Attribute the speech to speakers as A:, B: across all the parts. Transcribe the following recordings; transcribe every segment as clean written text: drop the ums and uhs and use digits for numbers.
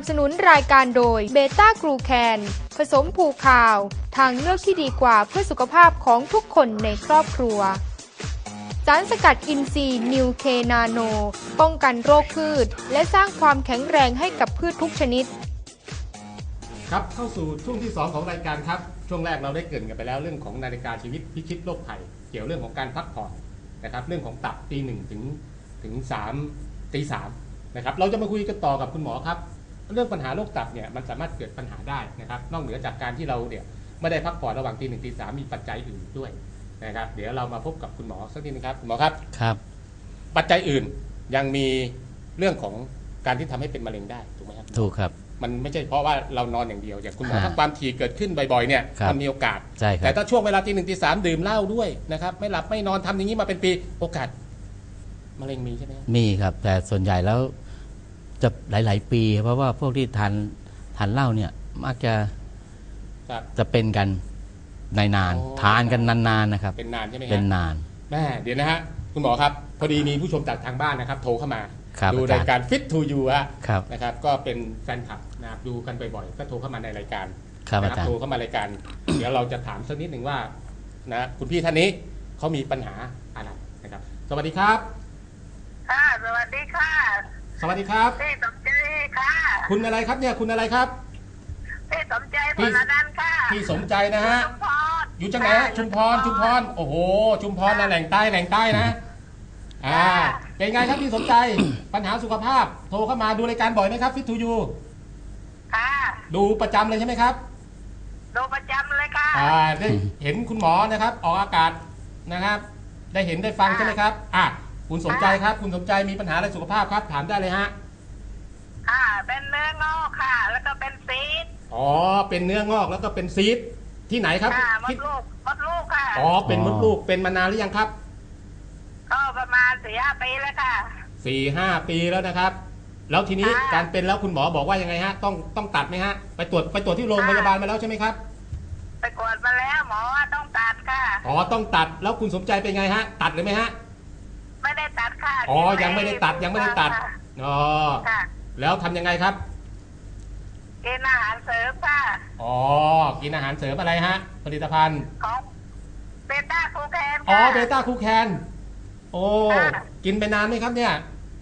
A: นับสนุนรายการโดยเบต้ากลูแคนผสมผูคาวทางเลือกที่ดีกว่าเพื่อสุขภาพของทุกคนในครอบครัวสารสกัดอินทรีย์นิวเคนาโนป้องกันโรคพืชและสร้างความแข็งแรงให้กับพืชทุกชนิด
B: ครับเข้าสู่ช่วงที่2ของรายการครับช่วงแรกเราได้เกริ่นกันไปแล้วเรื่องของนาฬิกาชีวิตพิชิตโรคภัยเกี่ยวเรื่องของการพักผ่อนนะครับเรื่องของตับตี 1ถึง3ตี 3นะครับเราจะมาคุยกันต่อกับคุณหมอครับเรื่องปัญหาโรคตับเนี่ยมันสามารถเกิดปัญหาได้นะครับนอกเหนือจากการที่เราเนี่ยไม่ได้พักผ่อนระหว่างตี 1ตี 3มีปัจจัยอื่นด้วยนะครับเดี๋ยวเรามาพบกับคุณหมอสักนิดนึงครับคุณหมอครับ
C: ครับ
B: ปัจจัยอื่นยังมีเรื่องของการที่ทำให้เป็นมะเร็งได้ถูกไหมครับ
C: ถูกครับ
B: มันไม่ใช่เพราะว่าเรานอนอย่างเดียวอย่างคุณหมอถ้าความถี่เกิดขึ้นบ่อยๆเนี่ยมันมีโอกาสแต่ถ้าช่วงเวลาตี 1ตี 3ดื่มเหล้าด้วยนะครับไม่หลับไม่นอนทำอย่างนี้มาเป็นปีโอกาสมะเร็งมีใช่ไหม
C: มีครับแต่ส่วนใหญ่แล้วจะหลายๆปีเพราะว่าพวกที่ทานเหล้าเนี่ยมักจะเป็นกันนานทานกันนานๆนะครับ
B: เป็นนานใช่ไหมครับ
C: เป็นนาน
B: แม่เดี๋ยวนะฮะคุณหมอครับพอดีมีผู้ชมจากทางบ้านนะครับโทรเข้ามาดูรายการ Fit to You นะครับก็เป็นแฟนคลับนะครับดูกันบ่อยๆก็โทรเข้ามาในรายการ
C: นะครับ
B: โทรเข้ามารายการ เดี๋ยวเราจะถามสักนิดหนึ่งว่านะคุณพี่ท่านนี้เขามีปัญหาอะไรนะครับสวัสดีครับ
D: ค่ะสวัสดีค่ะ
B: สวัสดีครับ
D: พี่สมใจค่ะ
B: คุณอะไรครับเนี่ยคุณอะไรครับ
D: พี่สมใจพลนันท์ค่ะ
B: พี่สมใจนะฮะอยู่จังไหนฮะชุมพรโอ้โหชุมพรนะแหล่งใต้นะเป็นไงครับพี่สมใจปัญหาสุขภาพโทรเข้ามาดูรายการบ่อยไหมครับ Fit to You
D: ค่ะ
B: ดูประจำเลยใช่ไหมครับ
D: ดูประจำเลยค่ะ
B: ได้เห็นคุณหมอนะครับออกอากาศนะครับได้เห็นได้ฟังใช่ไหมครับคุณสมใจครับคุณสมใจมีปัญหาอะไรสุขภาพครับถามได้เลยฮะ
D: เป็นเนื้องอกค่ะแล้วก็เป็นซีส
B: เป็นเนื้องอกแล้วก็เป็นซีสที่ไหนครับ
D: มดลูกค่ะ
B: เป็นมดลูกเป็นมานานหรือยังครับ
D: ก็ประมาณ 4-5 ปีแล้วค่ะ
B: 4-5 ปีแล้วนะครับแล้วทีนี้การเป็นแล้วคุณหมอบอกว่ายังไงฮะต้องตัดไหมฮะไปตรวจที่โรงพยาบาลมาแล้วใช่ไหมครับ
D: ไปตรวจมาแล้วหมอว่าต้องตัดค่ะ
B: ต้องตัดแล้วคุณสมใจเป็นไงฮะตัดหรือไม่ฮะ
D: ไม่ได้ตัดค่ะ
B: ยังไม่ได้ตัดแล้วทำยังไงครับ
D: กินอาหารเสริมค่ะ
B: กินอาหารเสริมอะไรฮะผลิตภัณฑ์
D: ของเบต้าคูแคน
B: เบต้าคูแคนกินไปนานไหมครับเนี่ย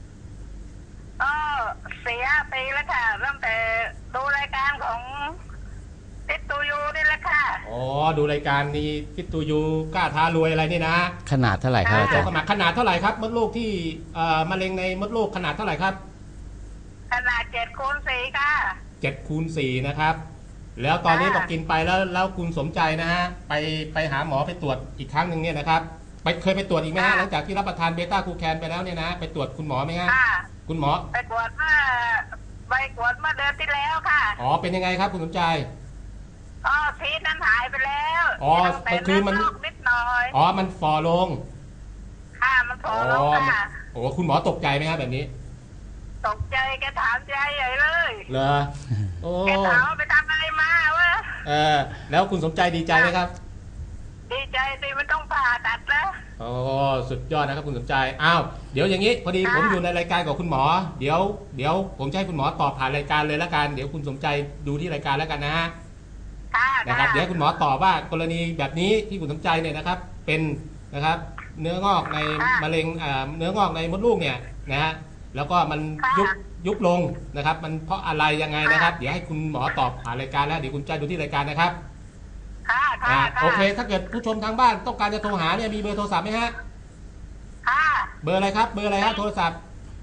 D: 4-5 ปีแล้วค่ะตั้งแต่ดูรายการของฟิตตูยูนี่แหละค่ะ
B: ดูรายการนี้ฟิตตูยูกล้าท้ารวยอะไรนี่นะ
C: ขนาดเท่าไหร่ครับอาจารย์
B: ขนาดเท่าไหร่ครับมดลูกที่มะเร็งในมดลูกขนาดเท่าไหร่ครับ
D: ขนาด7x4ค่ะ
B: 7x4นะครับแล้วตอนนี้บอกกินไปแล้วคุณสมใจนะฮะไปหาหมอไปตรวจอีกครั้งหนึ่งเนี่ยนะครับเคยไปตรวจอีกไหมฮะหลังจากที่รับประทานเบต้าคูแคนไปแล้วเนี่ยนะไปตรวจคุณหมอไหมฮะคุณหมอ
D: ไปตรวจเมื่อเดือนที่แล้วค่ะ
B: เป็นยังไงครับคุณสมใจ
D: ซีสนั้นหายไปแล้ว
B: คือมัน
D: นิดหน่อย
B: มันฝ่อลง
D: ค่ะมันฝ่อลงค่ะ
B: คุณหมอตกใจไหมฮะแบบนี้
D: ตกใจแกถามใจใหญ่เลย
B: เหรอ
D: แกถามไปทำอะไรมาวะ
B: แล้วคุณสมใจดีใจไหมครับ
D: ดีใจสิมันต้องผ่าตัดแล้ว
B: สุดยอดนะครับคุณสมใจเดี๋ยวอย่างนี้พอดีผมอยู่ในรายการกับคุณหมอเดี๋ยวผมจะให้คุณหมอตอบผ่านรายการเลยแล้วกันเดี๋ยวคุณสมใจดูที่รายการแล้วกันนะฮะนะครับเดี๋ยวคุณหมอตอบว่ากรณีแบบนี้ที่คุณสมใจเนี่ยนะครับเป็นนะครับเนื้องอกในมะเร็งเนื้องอกในมดลูกเนี่ยนะฮะแล้วก็มันยุบลงนะครับมันเพราะอะไรยังไงนะครับเดี๋ยวให้คุณหมอตอบผ่านรายการแล้วเดี๋ยวคุณใจดูที่รายการนะครับโอเคถ้าเกิดผู้ชมทางบ้านต้องการจะโทรหาเนี่ยมีเบอร์โทรศัพท์ไหมฮะเบอร์อะไรครับเบอร์อะไรฮะโทรศัพท์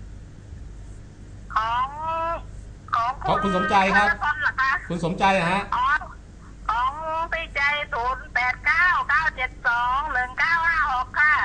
B: ของคุณสมใจครับคุณสมใจนะฮะ
D: ของพี่ใจ0899721956ค่ะ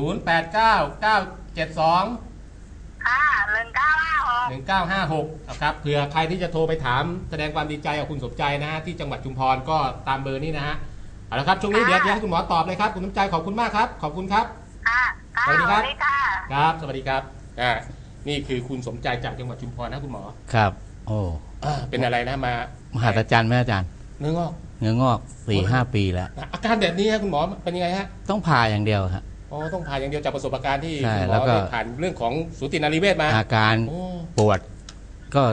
B: 1956ครับเผื่อใครที่จะโทรไปถามแสดงความดีใจกับคุณสมใจนะฮะที่จังหวัดชุมพรก็ตามเบอร์นี้นะฮะเอาละครับช่วงนี้เดี๋ยวให้คุณหมอตอบเลยครับคุณสมใจขอบคุณมากครับขอบคุณครับ
D: สวัสดีครับ
B: ครับสวัสดีครับนี่คือคุณสมใจจากจังหวัดชุมพรนะคุณหมอ
C: ครับ
B: เป็นอะไรนะ
C: มหัศจรรย์ไหมอาจารย์
B: เนื้
C: องอก 4-5 ปีแล้ว
B: อาการแบบนี้คุณหมอเป็นยังไงฮะ
C: ต้องผ่าอย่างเดียวครับ
B: ต้องผ่าอย่างเดียวจากประสบการณ์ที่คุณหมอได้ผ่านเรื่องของสูตินรีเวชมา
C: อาการปวดก็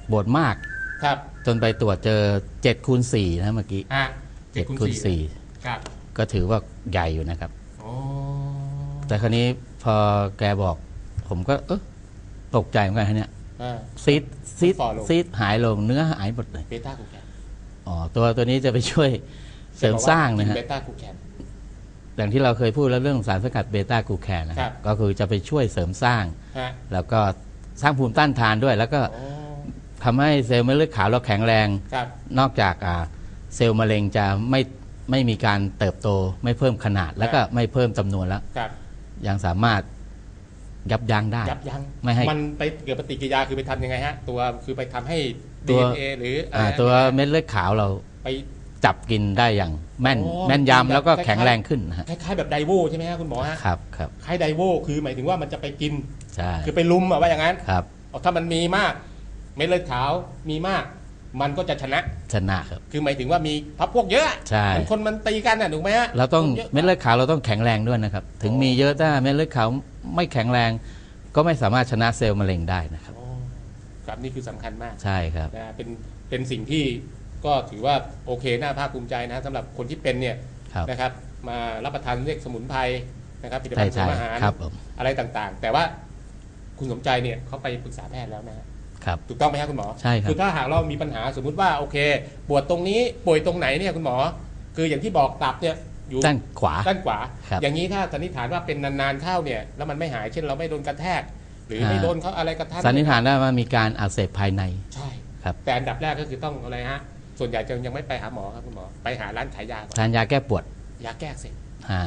C: ปวดมาก
B: ครับ
C: จนไปตรวจเจอ7 คูณ 4นะเมื่อกี้ 7 คูณ
B: ครับ
C: 4ก็ถือว่าใหญ่อยู่นะครับ
B: โอ้
C: แต่คราวนี้พอแกบอก ผมก็ตกใจเหมือนกันฮะเนี่ย
B: อ่า
C: ซีดหายลงเนื้อหายหมดเลย
B: เบต้ากูแคน
C: อ๋อตัวนี้จะไปช่วยเสริมสร้างนะฮะ
B: เบต้ากูแคน
C: อย่างที่เราเคยพูดแล้วเรื่องสารสกัดเบต้ากลูแคนนะครับก็คือจะไปช่วยเสริมสร้าง
B: ฮะ
C: แล้วก็สร้างภูมิต้านทานด้วย แล้วก็
B: โอ้
C: ทำให้เซลล์เม็ดเลือดขาวเราแข็งแรง
B: ครับ
C: นอกจากเซลล์มะเร็งจะไม่มีการเติบโตไม่เพิ่มขนาด แล้วก็ไม่เพิ่มจำนวนแล้ว
B: ครับ
C: ยังสามารถยับยั้งได้
B: ยับยั้ง
C: ไม่ให้
B: มันไปเกิดปฏิกิริยาคือไปทำยังไงฮะ ตัวคือไปทำให้
C: ตัว
B: DNA หรืออะไรนะ
C: ตัวเม็ดเลือดขาวเรา
B: ไป
C: จับกินได้อย่างแม่น
B: โอ้
C: แม่น
B: กินแบบ
C: ยำแล้วก็
B: คล้ายๆ
C: แข็งแรงขึ้นนะฮะ
B: คล้ายๆแบบไดโวใช่ไหมฮะคุณหมอฮะ
C: ครับครับ
B: คล้ายไดโวคือหมายถึงว่ามันจะไปกิน
C: ใช่
B: คือไปลุมอะว่าอย่างนั้น
C: ครับ
B: เอาถ้ามันมีมาก เม็ดเลือดขาวมีมาก มันก็จะชนะ
C: ชนะครับ
B: คือหมายถึงว่ามีพักพวกเยอะ
C: ใช่
B: เหมือนคนมันตีกันน่ะถูกไหมฮะ
C: เราต้อง
B: ยะ
C: เม็ดเลือดขาวเราต้องแข็งแรงด้วยนะครับ ถึงมีเยอะถ้าเม็ดเลือดขาวไม่แข็งแรง ก็ไม่สามารถชนะเซลล์มะเร็งได้นะครับ
B: โอ้ครับนี่คือสำคัญมาก
C: ใช่ครับ
B: นะเป็นสิ่งที่ก็ถือว่าโอเคน่าภาคภูมิใจนะสำหรับคนที่เป็นเนี่ย
C: ครับ
B: นะครับ มารับประทานเรียกสมุนไพรนะครับผลิตภัณฑ์เสริมอาหาร
C: ครับผม
B: อะไรต่างๆ แต่ว่าคุณสมใจเนี่ยเขาไปปรึกษาแพทย์แล้วนะฮะ
C: ครับ
B: ถูกต้องไหมครับคุณหมอ
C: ใช่ครับ
B: คือถ้าหากเรามีปัญหาสมมุติว่าโอเค ปวดตรงนี้ป่วยตรงไหนเนี่ยคุณหมอ คืออย่างที่บอกตับเนี่ยอยู่
C: ด้านขวา
B: ด้านขวา
C: ครับ
B: อย่างนี้ถ้าสันนิษฐานว่าเป็นนานๆเข้าเนี่ยแล้วมันไม่หายเช่นเราไม่โดนกระแทก หรือไม่โดนเขาอะไรกระทัน
C: สันนิษฐานได้ว่ามีการอักเสบภายใน
B: ใช่
C: ครับ
B: แต่อันดับแรกก็คือต้องอะไรฮะส่วนใหญ่จะยังไม่ไปหาหมอครับคุณหมอไปหาร้านขายยาก่อน
C: ทานยาแก้ปวด
B: ยาแก้อักเสพ
C: อ่าย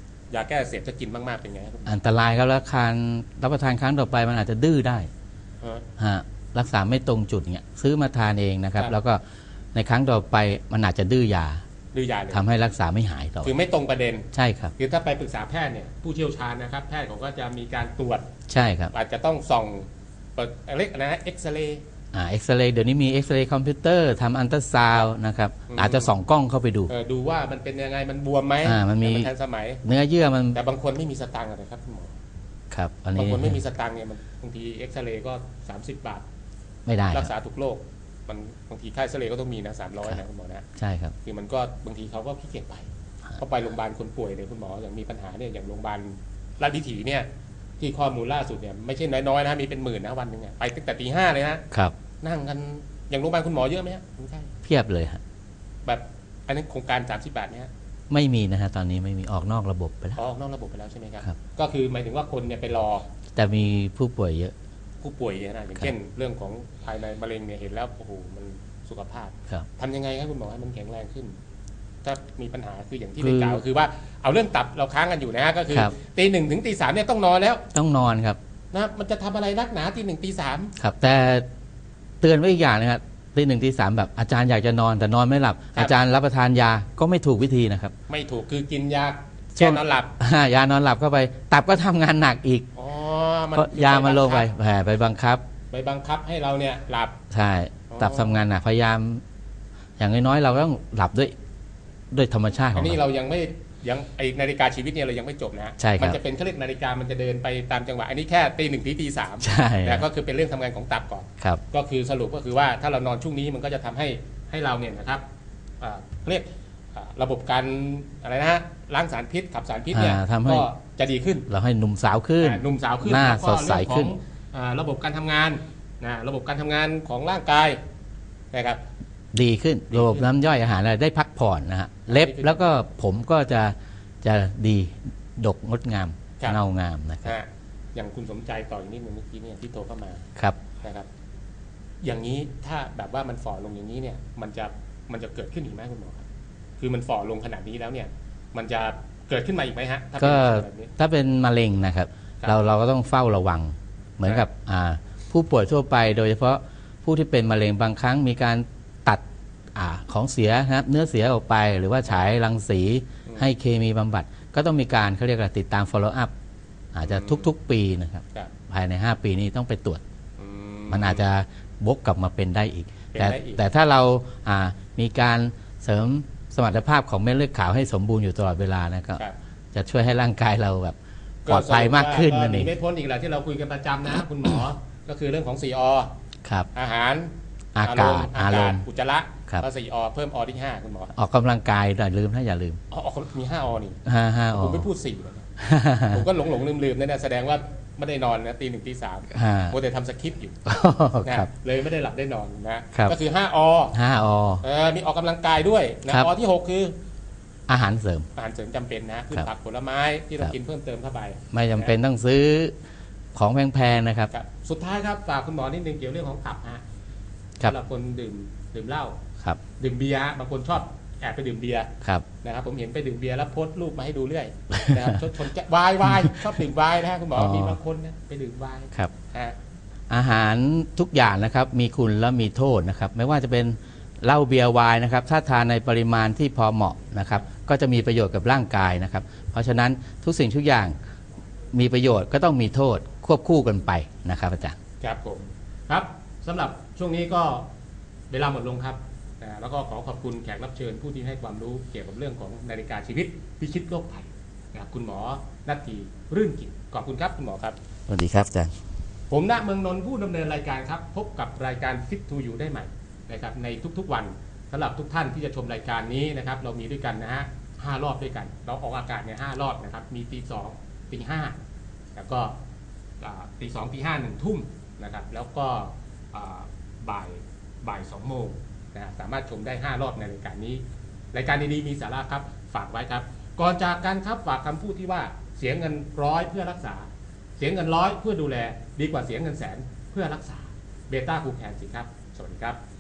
B: าแก้อักเสพจะกินมากๆเป็นไงครับคุณหมอ
C: อันตรายครับแล้วการรับประทานครั้งต่อไปมันอาจจะดื้อได้
B: ฮะ
C: ฮะรักษาไม่ตรงจุดเนี่ยซื้อมาทานเองนะครับ
B: ครับ
C: แล้วก็ในครั้งต่อไปมันอาจจะดื้อยา
B: ดื้อยาเลย
C: ทำให้รักษาไม่หายต่อ
B: คือไม่ตรงประเด็น
C: ใช่ครับ
B: คือถ้าไปปรึกษาแพทย์เนี่ยผู้เชี่ยวชาญนะครับแพทย์เขาก็จะมีการตรวจ
C: ใช่ครับ
B: อาจจะต้องส่องเปิดเล็กนะเอ็กซเรย์
C: เอ็กซเรย์เดี๋ยวนี้มีเอ็กซเรย์คอมพิวเตอร์ทำอันตราซาวน์นะครับ
B: อืม
C: อาจจะส่องกล้องเข้าไปดู
B: ดูว่ามันเป็นยังไงมันบวมไหม
C: มันมี
B: ทันสมัย
C: เนื้อเยื่อมัน
B: แต่บางคนไม่มีสตังค์อะไรครับคุณหมอ
C: ครับอัน
B: บาง
C: นี้
B: คนไม่มีสตังค์เนี่ยมันบางทีเอ็กซเรย์ก็30 บาท
C: ไม่ได้ค
B: รั
C: รั
B: ก
C: บ
B: ษาทุกโรคมันบางทีค่าเอ็กซเรย์ก็ต้องมีนะ300นะคุณหมอนะ
C: ใช่ครับ
B: คือมันก็บางทีเขาก็ขี้เกียจไปเขาไปโรงพยาบาลคนป่วยเนี่ยคุณหมออย่างมีปัญหาเนี่ยอย่างโรงพยาบาลราชวิถีเนี่ยที่ข้อมูลล่าสุดเนี่ยไม่ใช่น้อยๆนะมีเป็นหมื่นนะวันหนึ่งอะไปตั้งแต่ตี 5เลยนะครับ นั่งกันอย่างโรงพยาบาลคุณหมอเยอะไหมฮะคุณใช่
C: เพียบเลยฮะ
B: แบบอันนี้นโครงการ30 บาทเนี่ยฮะ
C: ไม่มีนะฮะตอนนี้ไม่มีออกนอกระบบไปแล้ว
B: ออกนอกระบบไปแล้วใช่ไหมครับ
C: ครับ
B: ก็คือหมายถึงว่าคนเนี่ยไปรอ
C: แต่มีผู้ป่วยเยอะ
B: ผู้ป่วยเนี่ยนะอย่างเช่น เรื่องของภายในมะเร็งเนี่ยเห็นแล้วโอ้โหมันสุขภาพ
C: ครับ
B: ทำยังไงครับคุณหมอให้มันแข็งแรงขึ้น ถ้ามีปัญหาคืออย่างที่
C: คื
B: ได้
C: อ
B: กล่าวคือว่าเอาเรื่องตับเราค้างกันอยู่นะฮะก็คือ
C: ครับ
B: ตี 1 ถึงตี 3เนี่ยต้องนอนแล้ว
C: ต้องนอนครับ
B: นะมันจะทำอะไรนักหนาตี 1 ตี 3
C: ครับ แต่เตือนไว้อีกอย่างนะครับตี 1 ตี 3แบบอาจารย์อยากจะนอนแต่นอนไม่หลับ อาจารย์รับประทานยาก็ไม่ถูกวิธีนะครับ
B: ไม่ถูกคือกินยา
C: ช่
B: แก้
C: วง
B: นอนหลับ
C: ยานอนหลับเข้าไป ตับก็ทำงานหนักอีก
B: อ๋อ
C: เพราะยามันลงไปแผ่ไปบังคับ
B: ไปบังคับให้เราเนี่ยหลับ
C: ใช่
B: อ๋อ
C: ตับทำงานหนักพยายาม อย่างน้อยๆเราต้องหลับด้วยธรรมชาติข
B: อั
C: อน ง
B: นี้
C: เรา
B: เรายังไม่ยังไอนาฬิกาชีวิตเนี่ยเรายังไม่จบนะ
C: ใช่ครับ
B: มันจะเป็นเขาเรียกนาฬิกามันจะเดินไปตามจังหวะอันนี้แค่ตี 1 ถึงตี 3
C: ใช่
B: แต่ก็คือเป็นเรื่องทำงานของตับก่อน
C: ครับ
B: ก็คือสรุปก็คือว่าถ้าเรานอนช่วงนี้มันก็จะทำให้เราเนี่ยนะครับเรียกระบบการอะไรนะฮะล้างสารพิษขับสารพิษเนี่ย
C: ทำให้
B: ก็จะดีขึ้น
C: เราให้หนุ่มสาวขึ้น
B: หนุ่มสาวขึ้น
C: หน้า
B: แล้วก็
C: สดใสขึ้น
B: เรื่องของระบบการทำงานนะระบบการทำงานของร่างกายนะครับ
C: ดีขึ้นระบบน้ำย่อยอาหารอะไรได้พักผ่อนนะฮะเล็บ
B: ดีขึ้น
C: แล้วก็ผมก็จะดีดกงดงาม
B: ครับ
C: เงางามนะครับ
B: อย่างคุณสมใจต่ออีกนิดนึงเมื่อกี้เนี่ยที่โทรเข้ามา
C: ครับ
B: นะครับ อย่างนี้ถ้าแบบว่ามันฝ่อลงอย่างนี้เนี่ยมันจะเกิดขึ้นอีกไหมคุณหมอครับคือมันฝ่อลงขนาดนี้แล้วเนี่ย มันจะเกิดขึ้นมาอีกไหมฮะถ้าเป็น
C: ก็
B: แบบนี้
C: ถ้าเป็นมะเร็งนะครับ
B: ครับ
C: เราก็ต้องเฝ้าระวัง เหมือนกับผู้ป่วยทั่วไป โดยเฉพาะผู้ที่เป็นมะเร็งบางครั้งมีการตัดของเสียนะครับเนื้อเสียออกไป หรือว่าฉายรังสีให้เคมีบำบัด ก็ต้องมีการเขาเรียกว่าติดตาม follow up อาจจะทุกๆ ปีนะครับ
B: ครับ
C: ภายใน 5 ปีนี้ต้องไปตรวจ
B: อื
C: มันอาจจะวกกลับมาเป็นได้อีก
B: เป็น
C: แต่
B: ได้อีก
C: แต่ถ้าเรามีการเสริมสมรรถภาพของเม็ดเลือดขาวให้สมบูรณ์อยู่ตลอดเวลานะก็
B: ครับ
C: จะช่วยให้ร่างกายเราแบบปลอดภัยมากขึ้นนั่นเอง
B: ไม่พ้นอีกแหละที่เราคุยกันประจำนะ คุณหมอ ก็คือเรื่องของ 4 อ
C: ครับ
B: อาหาร
C: อากาศ
B: อุจจาระ
C: ครับ
B: แล้ว4 อ เพิ่ม อ ที่ 5 คุณหมอ
C: ออกกำลังกายอย่าลืมอย่าลืม
B: มี 5 อ นี่
C: 5 อ
B: ผมไม่พูด4เลยนะ ผมก็หลงลืมนั่นนะแสดงว่าไม่ได้นอนนะตี 1 ตี 3โมแต่ทำสคริปต์อยู่นะครับเลยไม่ได้หลับได้นอนนะครับก็คือ5 อ
C: 5 อ
B: มีออกกำลังกายด้วยนะอ ที่ 6 คือ
C: อาหารเสริม
B: อาหารเสริมจำเป็นนะพืชผักผลไม้ที่เรากินเพิ่มเติมเข้าไป
C: ไม่จำเป็นต้องซื้อของแพงๆนะครับ
B: สุดท้ายครับฝากคุณหมอนิดนึงเกี่ยวเรื่องของผับฮะสำหรับคนดื่มเหล้า
C: ครับ
B: ดื่มเบียร์บางคนชอบแอบไปดื่มเบียร์
C: ครับ
B: นะครับผมเห็นไปดื่มเบียร์แล้วโพสต์รูปมาให้ดูเรื่อยนะครับชนวายชอบดื่มไวน์นะฮะคุณหมอมีบางคนนะไปดื่มไวน์
C: ครับ
B: ฮะ
C: อาหารทุกอย่างนะครับมีคุณและมีโทษนะครับไม่ว่าจะเป็นเหล้าเบียร์ไวน์นะครับถ้าทานในปริมาณที่พอเหมาะนะครับก็จะมีประโยชน์กับร่างกายนะครับเพราะฉะนั้นทุกสิ่งทุกอย่างมีประโยชน์ก็ต้องมีโทษควบคู่กันไปนะครับอาจารย์
B: ครับผมครับสำหรับช่วงนี้ก็เวลาหมดลงครับแล้วก็ขอขอบคุณแขกรับเชิญผู้ที่ให้ความรู้เกี่ยวกับเรื่องของนาฬิกาชีวิตพิชิตโรคภัยนะครับคุณหมอณัฐทีรื่นกิจขอบคุณครับคุณหมอครับ
C: สวัสดีครับอาจารย์
B: ผมณเมืองนนท์ผู้ดำเนินรายการครับพบกับรายการ Fit to You ได้ใหม่นะครับในทุกๆวันสำหรับทุกท่านที่จะชมรายการนี้นะครับเรามีด้วยกันนะฮะ5 รอบด้วยกันเราออกอากาศเนี่ย5 รอบนะครับมีตี 2 ตี 5แล้วก็ตี 2 ตี 5 1 ทุ่มนะครับแล้วก็บ่าย 2 โมงนะสามารถชมได้5 รอบในรายการนี้รายการดีๆมีสาระครับฝากไว้ครับก่อนจากกันครับฝากคำพูดที่ว่าเสียเงิน100เพื่อรักษาเสียเงิน100เพื่อดูแลดีกว่าเสียเงินแสนเพื่อรักษาเบต้าคูแคนสิครับสวัสดีครับ